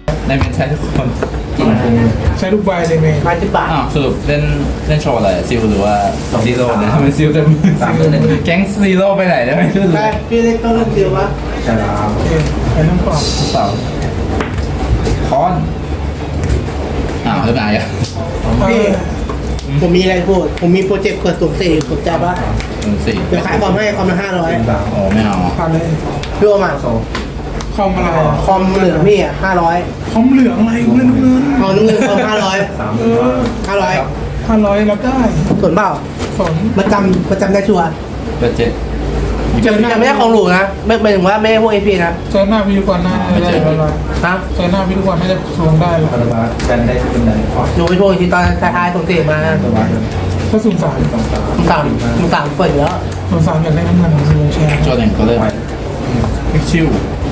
ในเมนใช้ทุกคนกินฟุ้งใช้ลูกใบเลยเมย์มา10 บาทอ้าวสรุปเล่นโชว์อะไรซิลหรือว่าซีโร่เนี่ยทำไมซิลจะแก๊งซีโร่ไปไหนได้ไหมรู้ใช่พี่เล็กต้องเล่นเดียววะใช่แล้วโอเคใช้น้ำกรอบเปล่าคอนอ้าวเริ่มอายอ่ะพี่ผมมีอะไรพูดผมมีโปรเจกต์เปิดสุ่ม4สนใจปะสี่เดี๋ยวขายคอมให้คอมละเป็นสามโอ้ไม่เอาผ่านเลย 500พี่โอมาคอมอะไรอ่ะคอมเหลืองพี่อ่ะ500 คอมเหลืองอะไรเงินเงินเอาน้ำเงินคอมสาม 500 500รับได้ส่วนเปล่าสนประจำได้ชัวร์เบอร์เจ็ดจะไม่ได้ของหรูนะไม่หมายถึงว่าไม่ได้พวกเอพีนะเจอหน้าพี่ทุกวันน่าได้เลยฮะเจอหน้าพี่ทุกวันน่าจะทวงได้เลยพันธบัตรกันได้เป็นไหนขอหนูไปทวงอีกทีตอนท้ายๆส่งเสียมาพันธบัตรก็สุ่มสามมึงสามเปิดอยู่แล้วสุ่มสามอยากได้น้ำเงินของวงแชร์โจหนึ่งก็เริ่มพิกชิว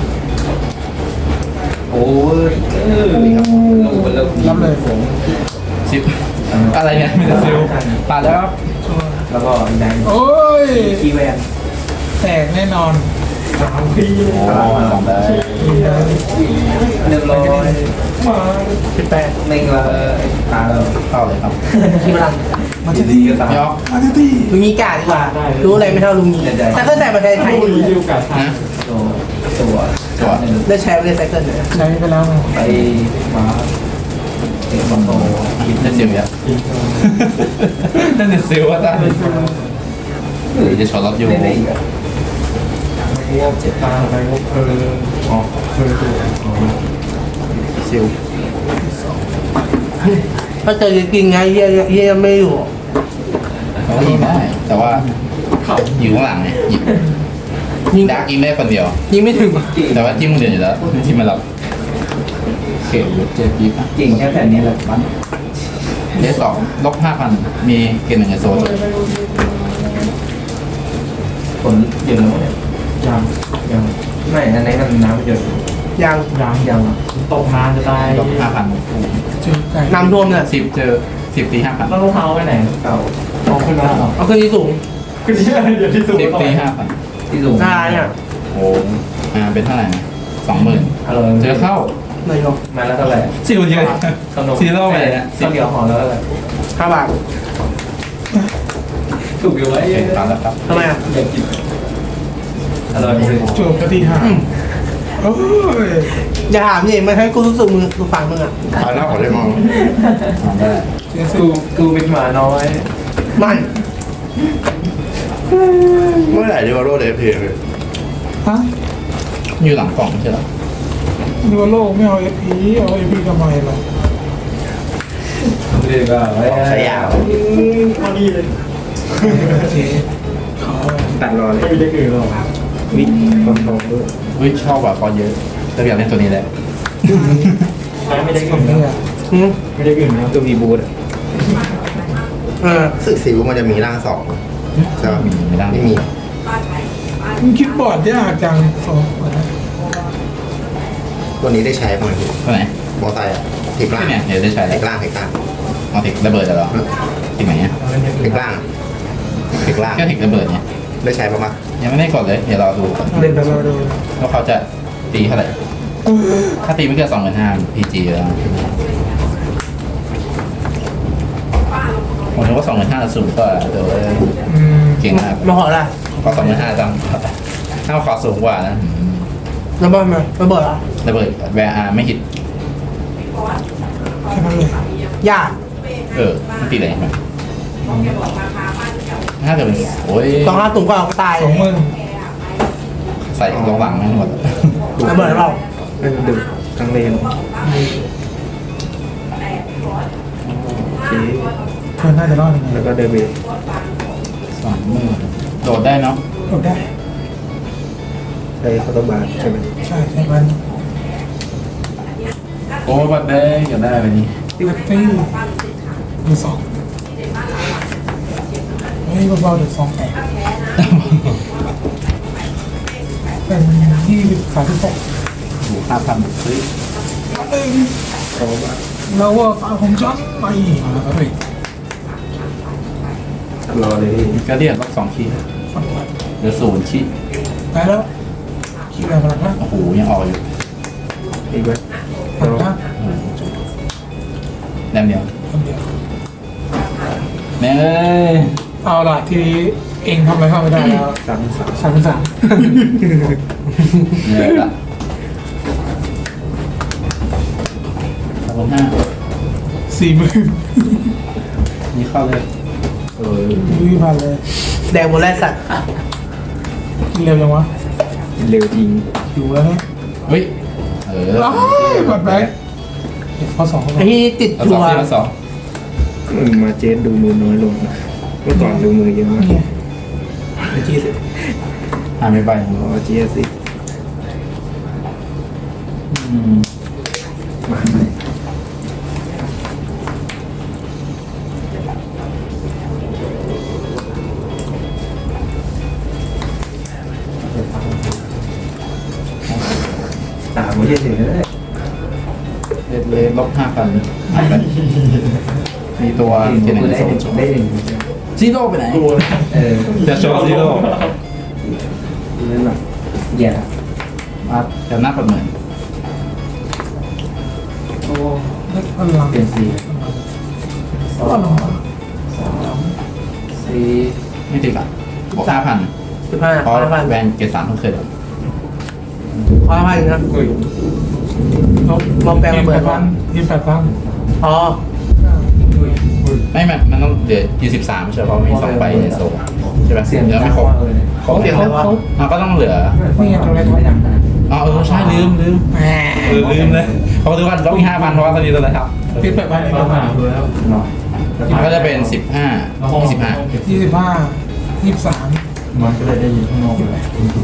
โอ้ยครับลูกมันเริ่มรับเลยซิปอะไรเนี่ยไม่ได้ซิลผ่านแล้วครับแล้วก็แดงโอ้ยคีแวนแตกแน่นอนโอ้สองได้ 100 มา 18 ในกระตาเราเข้าเลยครับที่พลังมาที่นี่ตามยอกมาที่นี่ลุงนี้กาดีกว่ารู้อะไรไม่เท่าลุงนี้ถ้าเข้าใจประเทศไทยนะตัวได้ใช้ไม่ได้ไซเคิลเลยใช้ไปแล้วไงไปมาเอ็มโตเล่นซิลเยอะเล่นซิลว่าตั้งหรือจะช็อตล็อกอยู่เล่นได้อีกอ่ะเจ็บตาไปอ๋อซิลถ้าเจอจริงๆไงเฮียไม่อยู่เขายิงได้แต่ว่าอยู่ข้างหลังไงยิงดาร์กยิงได้คนเดียวยิงไม่ถึงแต่ว่าจิ้มคนเดียวอยู่แล้วที่มารับเข็มเจ็ดยิบเก่งแค่แผ่นนี้แหละมันเดสองลบ5,000มีเกมหนึ่งในโซนผลเยอะแล้วเนี่ยยังไม่อันนี้มันน้ำเยอะยังยังตกน้ำจะตายลบ5,000 เจอไก่น้ำท่วมเนี่ย 10เจอ10ตี5,000 แล้วรองเท้าไปไหนเก่าเอาขึ้นมาเหรอเอาขึ้นที่สูงขึ้นที่ไหนเดี๋ยวที่สูง 10ตี5,000 ที่สูงหน้าเนี่ยโอ้เป็นเท่าไหร่นะ20,000เจอเข้าหน่อยลงมาแล้วเท่าไหร่ซิลเยอะขนมซีโร่ไปเลยนะข้าวเดียวห่อแล้วเท่าไหร่ 5 บาทถูกอยู่ไว้เห็นแล้วครับทำไมอ่ะอยากกินอร่อยเลยจบปฏิหารโอ้ยอย่าถามนี่มันให้กูรู้สึกมึงฟังมึงอ่ะผ่านแล้วขอได้มองได้เจอกูเป็นหมาน้อยมันเมื่อไหร่ดิวาโรเดฟเพย์ฮะอยู่หลังกล่องใช่หรอดูว่าโลกไม่เอาเอพีเอาเอพีทำไมล่ะเรียกว่าใช้ยาวเอานี่เลยโอเคเขาตัดรอเลยไม่มีเด็กอื่นหรอกวิทย์ความตรงด้วยวิชอบแบบคอเยอะแต่อยากเล่นตัวนี้แหละไม่ได้ผอื่มนเนี่นะยหืมไม่ได้อื่นนะตัวมีบูธสึกซิวมันจะมีร่างสองใช่ไหมมีไม่ได้ไม่มีมึงคิดบอร์ดยากจังสองคนนะตัวนี้ได้ใช้บ้างไหมพี่ตัวไหนมอไซค์อะเทคล่างเนี่ยเดี๋ยวได้ใช้เทแล้วคล่างเทคล่างเอาถิกระเบิดเหรอถิกไหนเนี่ยเทคล่างเทคล่างก็ถิกระเบิดเนี่ยได้ใช้บ้างปะยังไม่ได้กดเลยเดี๋ยวรอดูก่อนเล่นแต่เราดูว่าเขาจะตีเท่าไหร่ถ้าตีไม่เกิน25,000 PG แล้วผมนึกว่า25,000จะสูงกว่าเดี๋ยว เก่งมากมาขอละขอ25,000จังถ้าขอสูงกว่านะระเบิดมาระเบิดอ่ะระเบิดแวร์อาร์ไม่หิตแค่นั้นเลยยากมันตีอะไรไหมถ้าเกิดเป็นโอ้ย 2 5สูงกว่าก็ตาย 20,000 ใส่ลงหลังไม่หมดระเบิดเราเป็นดึกทั้งเลนเพื่อนน่าจะรอดยังไงแล้วก็เดบิต 20,000โดดได้เนาะโดดได้ใช้คอร์ตบาร์ใช่ไหมใช่ใช่มันโอ้บัดได้อยากได้แบบนี้ตีตีมือสองเฮ้ยเบาๆเดี๋ยว2แตกเป็น26 ถูก5,000ซื้อคอร์ตบาร์เราว่าตาผมจังไปแล้วก็ไปรอเลยก็เรียกล็อก2ขีดฟังไปเหลือ0ขีดไปแล้วคิดอะไรมาแล้วนะโอ้โหยังออกอยู่อีกไหมผ่านนะแนมเดียวคนเดียวแม่เอ้ยเอาล่ะทีนี้เองทำอะไรเข้าไม่ได้แล้ว 3 เนี่ยละ5 40,000 นี่เข้าเลยเออวิ่งผ่านเลยแดงหมดแล้วสัตว์กินเร็วยังวะเร็วจริงอยู่แล้วเนี่ยเฮ้ยเอออ้าวกดแบ็คเดี๋ยวข้อ2เข้าไอ้มาที่ติดเอาชัสองวสิเอาสองมึงมาเจสดูมือน้อยลงนะเมื่อก่อนดูมือเยอะมากเนี่ยไอ้ที่สิหาไม่ไปอ๋อเจสสิอืมมาไหมตามมาเยอะถึงเลยเลนลบ5,000หายไปมีตัวที่หนึ่งได้สองหนึ่งจบได้หนึ่งซีโร่ไปไหนเออจะโชว์ซีโร่เล่นแบบแย่มาจะนับประเมินเล็กพลังเปลี่ยนสีก็ลงมาซีไม่ติดอ่ะบวก5,000 15 เพราะ 5,000 แวนเกรด3เพิ่งเคยโดน 5,000นะมองแปลงระเบิด 28,000 อ๋อไม่มันต้องเหลือ23ไม่ใช่เพราะมี2ใบในโซ่ใช่ไหมเสียงเหลือไม่ครบเลยครบเสียงอะไรวะก็ต้องเหลือนี่ไงตัวเล็กไม่ดังขนาดอ๋อใช่ลืมแหมลืมเลยเขาดูว่าต้องมี5,000เพราะว่าตอนนี้ตัวอะไรครับติด8,000 มาหาดูแล้วหน่อยมันก็จะเป็น15 25 25 23 มันก็เลยได้ยินข้างนอกเลย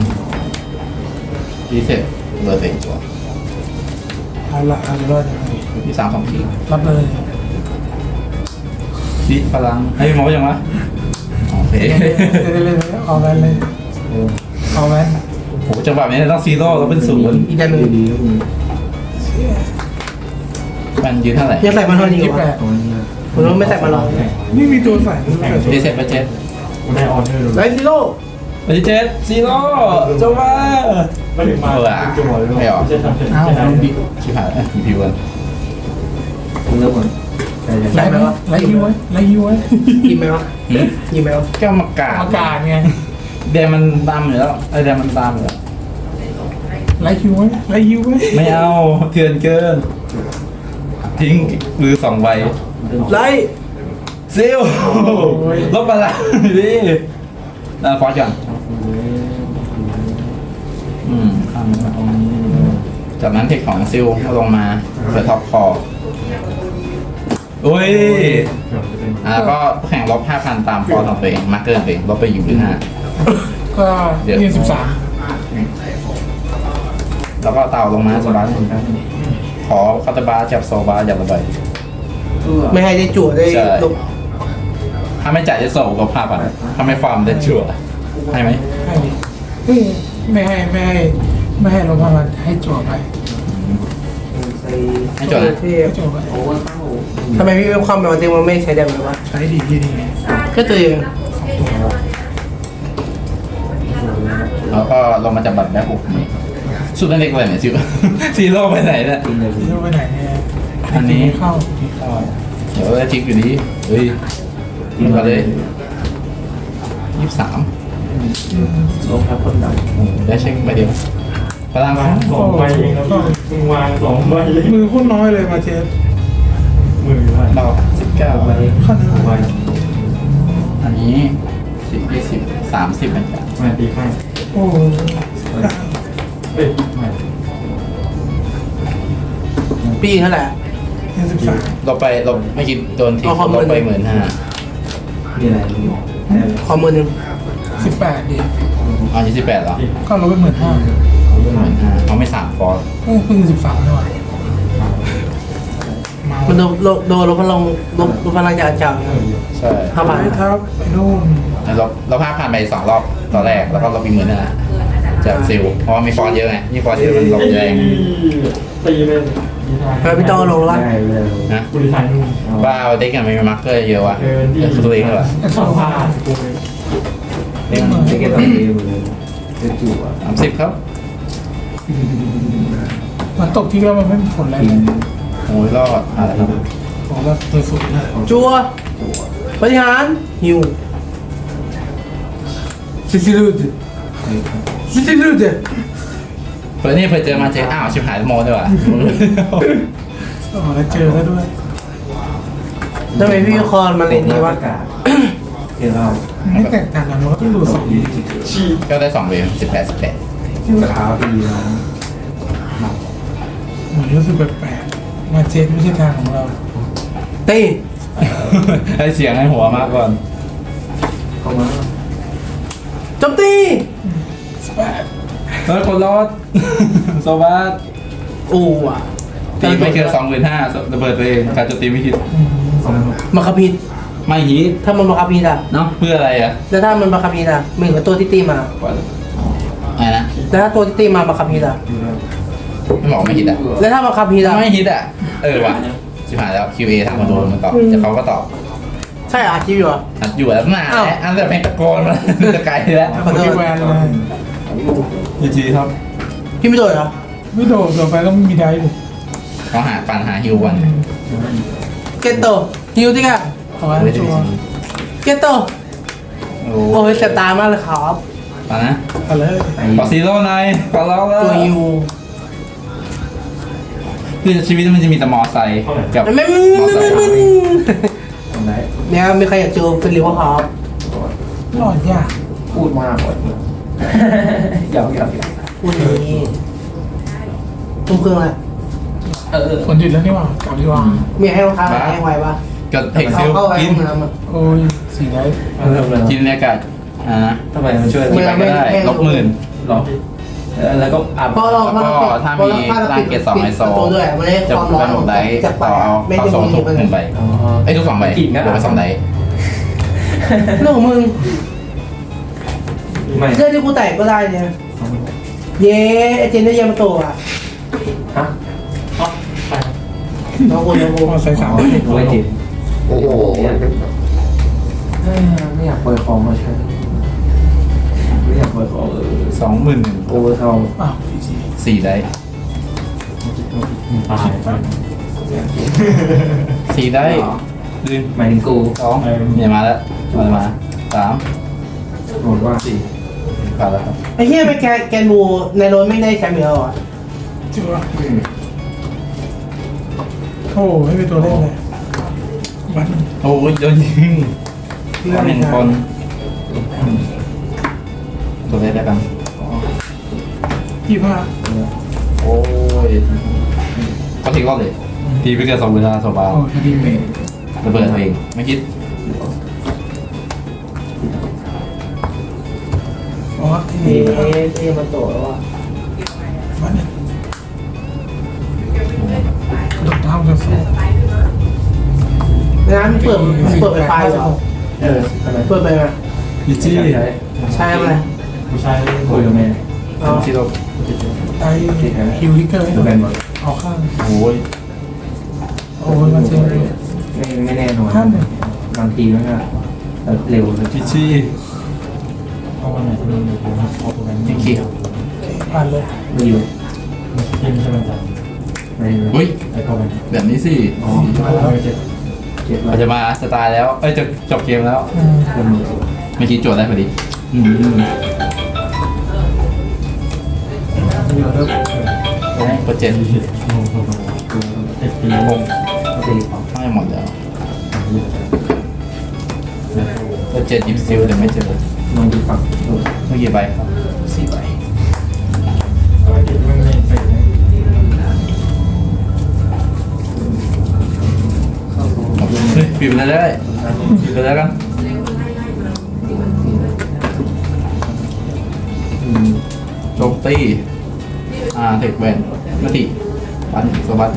ที่เสร็จเหลือเต็งตัวเอาละเอาเลยที่3 2ทีรับเลยที่พลังให้พี่หมอยังวะโอเคเลยเอาแวนเลยเอาแวนโหจังหวะนี้ต้องซีโร่แล้วเป็นศูนย์อีกอันหนึ่งดีแล้วคุณมันยืนเท่าไหร่ยังใส่มันเท่านี้อยู่วะ 28 ตรงนี้ผมว่าไม่ใส่มาหรอกนี่มีตัวใส่ด้วยที่เสร็จไปเจ็ดได้ออเดอร์ไรซิโร่ไปเจ็ดซีโร่จังหวะไม่ถึงมาจังหวะเลยจะทำเสร็จอ้าวมันดิชิบหายมีพิวกันคุณเริ่มหมดใจเย็นไล่ยูไว้ไล่ยูไว้กินไหมวะกินไหมวะแก้วมากาอากาศไงแดงมันดำอยู่แล้วไอ้แดงมันดำอยู่แล้วไล่ยูไว้ไล่ยูไว้ไม่เอาเถื่อนเกิน ทิ้งมือ2ใบไรซิลลบอะไรดิฟอสก่อนข้ามมาตรงนี้จากนั้นเทคของซิลลงมาเปิดท็อปคออุ้ยก็แข่งลบ 5,000 ตามฟอร์ของตัวเองมาร์เกอร์ตัวเองลบไปอยู่หรือ5 ก็ยืน13 แล้วก็เต่าลงมาสบายขอคาตาบาจับโซบาอย่าระบายไม่ให้ได้จั่วได้ใช่ลงถ้าไม่จ่ายจะโซก็ภาพอ่ะถ้าไม่ฟาร์มได้ชัวร์ให้ไหมให้ดิไม่ให้ลงพลังให้จั่วไปให้จดนะเทพให้จั่วไปทำไมพี่ไม่ความแบบว่าเต็มมันไม่ใช้แดมเลยวะใช้ดีที่ดีแค่ตัวเองแล้วก็ลงมาจับบัตรแม่ปุ๊บนี่สุดนั่นเล็กเลยเนี่ยซิวซีโร่ไปไหนเนี่ยที่รู้ไปไหนเนี่ยอันนี้เข้าเดี๋ยวจะทิ้งอยู่ดีเฮ้ยยิงมาเลย23 ลงครับคนดังได้เช็คไปเดียวพลังครับ 2 ใบเองแล้วมึงวาง2 ใบมือโคตรน้อยเลยมาเจฟมือว่าเรา19 ไปขนาดใบอันนี้10 20 30เหมือนกันมาตีข้างโอ้เอ้ยไม่ปีเท่าไหร่ 23 เราไปเราไม่คิดโดนทิ้งเอาความเราไปมือ 15,000 มีอะไรรู้ขอมือหนึ่ง 18ดิอ๋อ28เหรอก็ลดไป15,000 15,000เขาไม่3ฟอร์เพิ่ง13ด้วยมามันโดนลบพลังลบพลังจากอาจารย์ใช่ 5,000 ไปทับไอ้นู่นเรา5,000ไป2 รอบตอนแรกแล้วก็เรามี15,000จากซิลเพราะว่ามีฟอร์เยอะไงนี่ฟอร์เยอะมันลงแรงตีเลยแล้วพี่ต้องเอาลงแล้ววะได้เลยนะกูดีไซน์นู่นบ้าเด็กกันมีมาร์เกอร์เยอะวะเกินที่คือตัวเองเหรอไอ้สสออง งพัผ้าน กูเลยเล่นเล่นเกมตอนนี้เลยจะจู่อ่ะ 30ครับมันตกที่แล้วมันไม่มีผลอะไรเลยโอ้ยรอดอะไรครับผมว่าตัวสุดนะจัวปฏิหารฮิวซิซิลูดซิซิลูดเพื่อนนี่เพื่อเจอมาเจออ้าวชิบหายโมด้วยว่ะอ๋อแล้วเจอแล้วด้วยทำไมพี่คอนมันเล่นนี้วะเดี๋ยวเราไม่แตกต่างกันมันก็ต้องดูสองก็ได้2 เวฟ18 สาวปีแล้วเหมือนรู้สึกแปลกๆมาเจ็ตไม่ใช่ทางของเราตีให้เสียงให้หัวมากก่อนเข้ามาโจมตีเฮ้ยคนรอด โซบัสอู้อ่ะตีไม่เกิน25,000ระเบิดตัวเองการโจมตีไม่ฮิตมาคาพิษไม่ฮิตถ้ามันมาคาพิษอ่ะเนาะเพื่ออะไรอ่ะแล้วถ้ามันมาคาพิษอ่ะเหมือนกับตัวที่ตีมาอะไรนะแล้วถ้าตัวที่ตีมาคาพิษอ่ะไม่บอกไม่ฮิตอ่ะแล้วถ้ามาคาพิษอ่ะไม่ฮิตอ่ะว่ะชิบหายแล้ว QA ถามมาดูมันตอบจะเขาก็ตอบใช่อาชีพอยู่อ่ะอัดอยู่แล้วนานแล้วอันแต่เพลงตะโกนมาจะไกลแล้วคนที่แวนเลยจีครับพี่ไม่โดนเหรอไม่โดดต่อไปก็ไม่มีได้เลยเขาหาปัญหาฮิววันเกตโตฮิวที่กันเอาไว้ชัวร์เกตโตโอ้ยเสียตามากเลยครับปัญนะเอาเลยขอซีโร่หน่อยขอร้องแล้วตัวฮิวคือชีวิตมันจะมีแต่มอไซค์กับไม่มอไซค์ทำไรเนี่ยมีใครอยากเจอเป็นริวครับรอดยากพูดมากกว่าหยอกพูดนี้ตุ้มเครื่องอะไรฝนหยุดแล้วนี่หว่ากลับดีกว่ามีให้รองเท้าแห้งไว้ปะกับเทคเอาซิลเข้าไว้กินห้องน้ำอ่ะโอ้ยสีได้เริ่มเลยกินบรรยากาศนะทำไมมันช่วยกี่ใบก็ได้ลบ10,000 หรอแล้วก็อัพพอเราแล้วก็ถ้ามีร่างเกต2ไอโซตัวด้วยมันได้จะความร้อนเป็นของ 6 ไดจากต่อเอาไม่เข้าได้โซมีทุกมัน 1 ใบไอ้ทุก2 ใบรวมเป็น2 ไดเรื่องของมึงไม่เรื่องที่กูแตกก็ได้เนี่ยเย้ไอเจนได้ยามาโตอ่ะฮะน้องกูน้องกูพอใส่สามไม่จิตโอ้โหไม่อยากเปิดของมาใช่ไม่อยากเปิดของ 20,000 โอเวอร์เทาอ้าวพีจี 4 ไดตาย 4 ไดลืมหมายถึงกู 2เนี่ยมาแล้วมา3 บอกว่า 4ผ่านแล้วครับไอ้เหี้ยไปแกนูในรถไม่ได้แชมป์เยอะอ่ะจัวโอ้ไม่เป็นตัวเล่นเลยวันโอ้ยโดนยิงเรื่อง 1 คนตัวเล็กแล้วกัน 25 โอ้ยเขาทิ้งรอบเลยตีไปเกิน2 เวลาสบายโอ้ยดีเมย์ระเบิดตัวเองไม่คิดอ๋อที่เอนี่มาโตแล้วอ่ะวันนี้ดอกเท้าจะสู้น้ำเปิดไฟเหรออะไรเปิดไปไหมพีจี้ใช่ไหมผู้ชายคุยกับแม่อ๋อที่เราไอฮิวลิเกอร์ให้ดูหแบน่อยนหมดเอาข้างโอ้ยโอ้ยมาเจอเลยไม่แน่นอนบางทีมันก็เร็วพีจี้เอาวันไหนที่มีอยู่เอาตัวนั้นยังคิดผ่านเลยไม่อยู่ที่ไม่ใช่วันจันทร์ไม่อุ้ยไอ้เข้าไปแบบนี้สิอ๋อมาแล้วเจ็ดเจ็บเราจะมาสไตล์แล้วเอ้ยจะจบเกมแล้วเริ่มมือเมื่อกี้โจทย์ได้พอดีเดี๋ยวเริ่มโปรเจกต์เจ็ดปีงงตีของไม่หมดแล้วโปรเจกต์ยิปซิลแต่ไม่เจอลองดูฝั่งเมื่อกี้ใบครับ 4 ใบไม่ไปเฮ้ยปิดไปเลยได้ปิดไปแล้วกันโจมตีเทคแวนมาติปันสวัสดิ์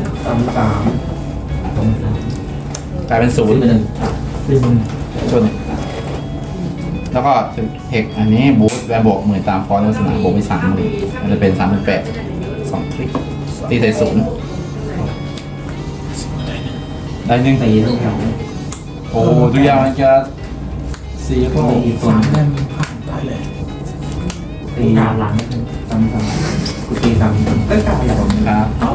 3 กลายเป็น0 ซึ่งชนแล้วก็เทคอันนี้บูทแวนบวก10,000ตามฟอนต์ลักษณะบวกไป30,000มันจะเป็น38,000 2 คลิกตีใส่0ได้หนึ่งตีทั้งแถวโอ้ทุกอย่างมันจะ4 ก็ก็มีอีกตัว 3 เล่มผ่านได้เลยตีหลัง3กูตี3ก็กล้าอย่างครับเอา